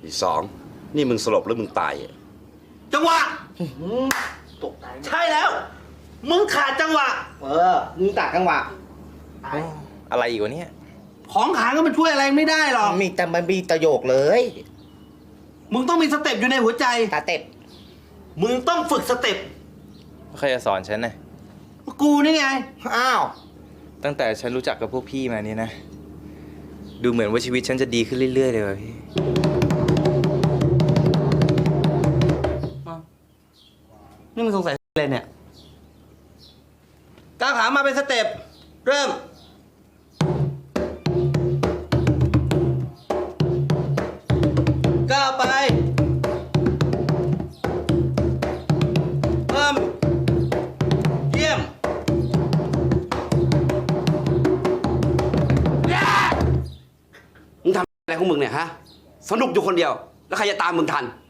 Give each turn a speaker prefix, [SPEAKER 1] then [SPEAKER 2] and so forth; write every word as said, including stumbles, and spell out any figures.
[SPEAKER 1] อีสองนี่มึงสลบหรือมึงตายอ่ะ
[SPEAKER 2] จังหวะตกใจใช่แล้ว มึงขาดจังหวะ เออ มึงตัดจังหวะ
[SPEAKER 3] อะไรอีกวะเนี่ย
[SPEAKER 2] ของขาก็มันช่วยอะไรไม่ได้หรอก
[SPEAKER 4] มีแต่มันมีประโยคเลย
[SPEAKER 2] มึงต้องมีสเต็ปอยู่ในหัวใจ
[SPEAKER 4] ตาเต็บ
[SPEAKER 2] มึงต้องฝึกสเต็ป
[SPEAKER 3] ใครจะสอนฉันนะ
[SPEAKER 2] กูนี่ไง
[SPEAKER 4] อ้าว
[SPEAKER 3] ตั้งแต่ฉันรู้จักกับพวกพี่มานี่นะ ดูเหมือนว่าชีวิตฉันจะดีขึ้นเรื่อยๆเลยว่ะพี่
[SPEAKER 2] นี่มึงสงสัยอะไรเนี่ยก้าวขามาเป็นสเต็ป เริ่ม ก้าวไป เพิ่ม เยี่ยม
[SPEAKER 1] มึงทำอะไรของมึงเนี่ยฮะ สนุกอยู่คนเดียว แล้วใครจะตามมึงทัน